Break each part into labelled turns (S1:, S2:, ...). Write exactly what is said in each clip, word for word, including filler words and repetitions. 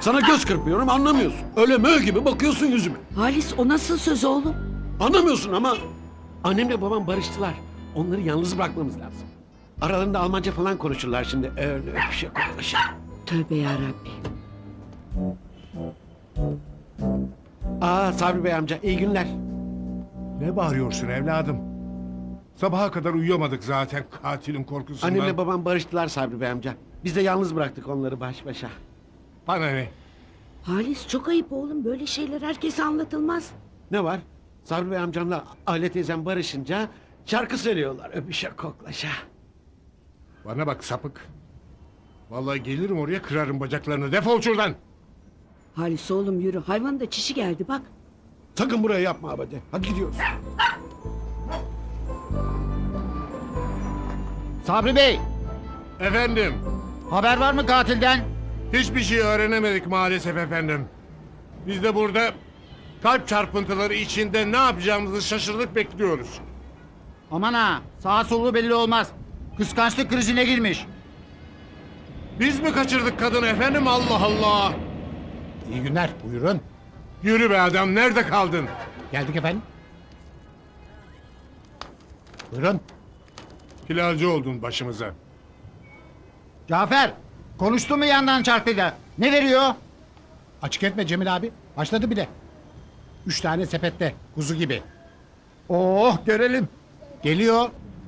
S1: Sana göz kırpıyorum anlamıyorsun. Öyle mö gibi bakıyorsun yüzüme.
S2: Halis o nasıl söz oğlum?
S1: Anlamıyorsun ama annemle babam barıştılar. Onları yalnız bırakmamız lazım. Aralarında Almanca falan konuşurlar şimdi. Öyle öpüşe koklaşa.
S2: Tövbe yarabbi.
S1: Aa Sabri Bey amca iyi günler.
S3: Ne bağırıyorsun evladım? Sabaha kadar uyuyamadık zaten katilin korkusundan.
S1: Annemle babam barıştılar Sabri Bey amca. Biz de yalnız bıraktık onları baş başa.
S3: Bana ne?
S2: Halis çok ayıp oğlum. Böyle şeyler herkese anlatılmaz.
S1: Ne var? Sabri Bey amcamla Aile teyzem barışınca şarkı söylüyorlar öpüşe koklaşa.
S3: Bana bak sapık. Vallahi gelirim oraya kırarım bacaklarını. Defol şuradan.
S2: Halis oğlum yürü. Hayvanın da çişi geldi bak.
S1: Sakın buraya yapma abade. Hadi gidiyoruz.
S4: Sabri Bey,
S3: Efendim.
S4: haber var mı katilden?
S3: Hiçbir şey öğrenemedik maalesef efendim. Biz de burada kalp çarpıntıları içinde ne yapacağımızı şaşırdık bekliyoruz.
S4: Aman ha, sağa solu belli olmaz. Kıskançlık krizine girmiş.
S3: Biz mi kaçırdık kadını efendim Allah Allah.
S5: İyi günler, buyurun.
S3: Yürü be adam nerede kaldın?
S5: Geldik efendim. Buyurun.
S3: Pilavcı oldun başımıza.
S4: Cafer, konuştu mu yandan çarpıyla? Ne veriyor?
S5: Açık etme Cemil abi. Başladı bile. Üç tane sepette, kuzu gibi.
S4: Oh, görelim.
S5: Geliyor.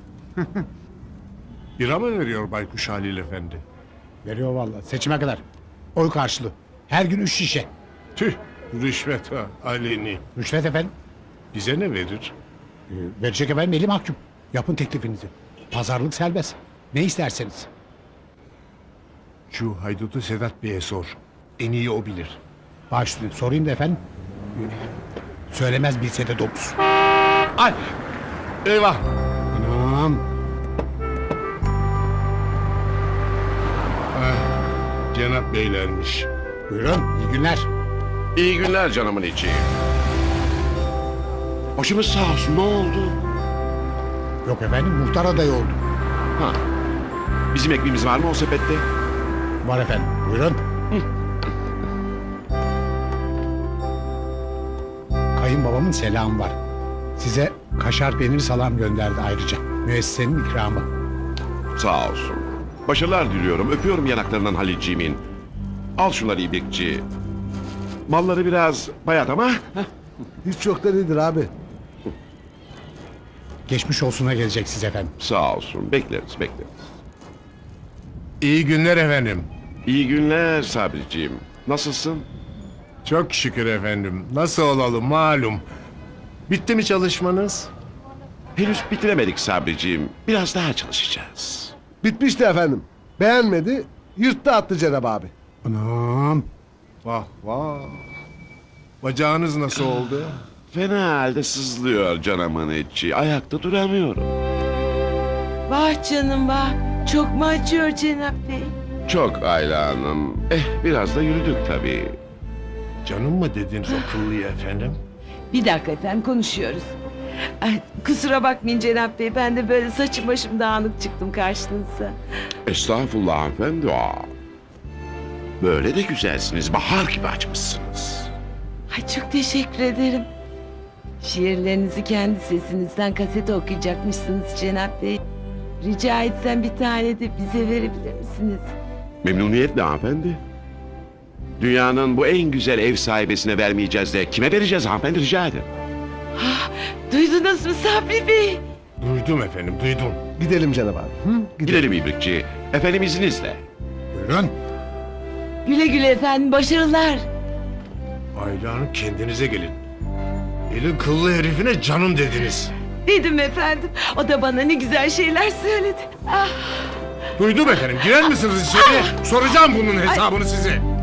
S3: Bira mı veriyor Baykuş Halil Efendi?
S5: Veriyor vallahi seçime kadar. Oy karşılığı. Her gün üç şişe.
S3: Tüh rüşvet ha aleni.
S5: Rüşvet efendim.
S3: Bize ne verir?
S5: Ee, verecek efendim eli mahkum. Yapın teklifinizi. Pazarlık serbest. Ne isterseniz.
S3: Şu haydutu Sedat Bey'e sor. En iyi o bilir.
S5: Baş üstüne sorayım da efendim. Ee, Söylemez bilse de dokuz.
S3: Ay! Eyvah!
S5: Anam.
S3: Ah, Cenap Beylermiş.
S5: Buyurun, iyi günler.
S6: İyi günler canımın içi. Başımız sağ olsun ne oldu?
S5: Yok efendim, muhtar adayı oldu.
S6: Ha. Bizim ekmeğimiz var mı o sepette?
S5: Var efendim, buyurun. Kayınbabamın selamı var. Size kaşar peynir salam gönderdi ayrıca. Müessesenin ikramı.
S6: Sağ olsun. Başarılar diliyorum. Öpüyorum yanaklarından Halilciğimin. Al şunları İbrikçi. Malları biraz bayat ama.
S7: Hiç yoktan iyidir abi.
S5: Geçmiş olsuna gelecek siz efendim.
S6: Sağ olsun. Bekleriz bekleriz.
S3: İyi günler efendim.
S6: İyi günler Sabriciğim. Nasılsın?
S3: Çok şükür efendim. Nasıl olalım malum. Bitti mi çalışmanız?
S6: Henüz bitiremedik Sabriciğim. Biraz daha çalışacağız.
S7: Bitmişti efendim. Beğenmedi, yırttı attı Cenab abi.
S5: Anam.
S3: Vah vah. Bacağınız nasıl oldu?
S6: Fena halde sızlıyor canımın içi. Ayakta duramıyorum.
S8: Vah canım vah. Çok mu acıyor Cenap Bey?
S6: Çok Ayla Hanım. Eh biraz da yürüdük tabii.
S3: Canım mı dediniz akıllıya efendim?
S8: Bir dakika efendim konuşuyoruz. Ay, kusura bakmayın Cenap Bey. Ben de böyle saçım başım dağınık çıktım karşınıza.
S6: Estağfurullah hanımefendi. Aa. Böyle de güzelsiniz. Bahar gibi açmışsınız.
S8: Ay çok teşekkür ederim. Şiirlerinizi kendi sesinizden kasete okuyacakmışsınız Cenap Bey. Rica etsem bir tane de bize verebilir misiniz?
S6: Memnuniyetle hanımefendi. Dünyanın bu en güzel ev sahibesine vermeyeceğiz de kime vereceğiz hanımefendi rica ederim.
S8: Ah, duydunuz mu Sabri Bey?
S3: Duydum efendim duydum.
S7: Gidelim Cenab abi. Hı?
S6: Gidelim İbrikçi. Efendim izninizle.
S5: Buyurun.
S8: Güle güle efendim başarılar.
S3: Ayla Hanım kendinize gelin. Elin kıllı herifine canım dediniz.
S8: Dedim efendim. O da bana ne güzel şeyler söyledi. Ah.
S3: Duydum efendim girer misiniz içeri? Soracağım bunun hesabını size.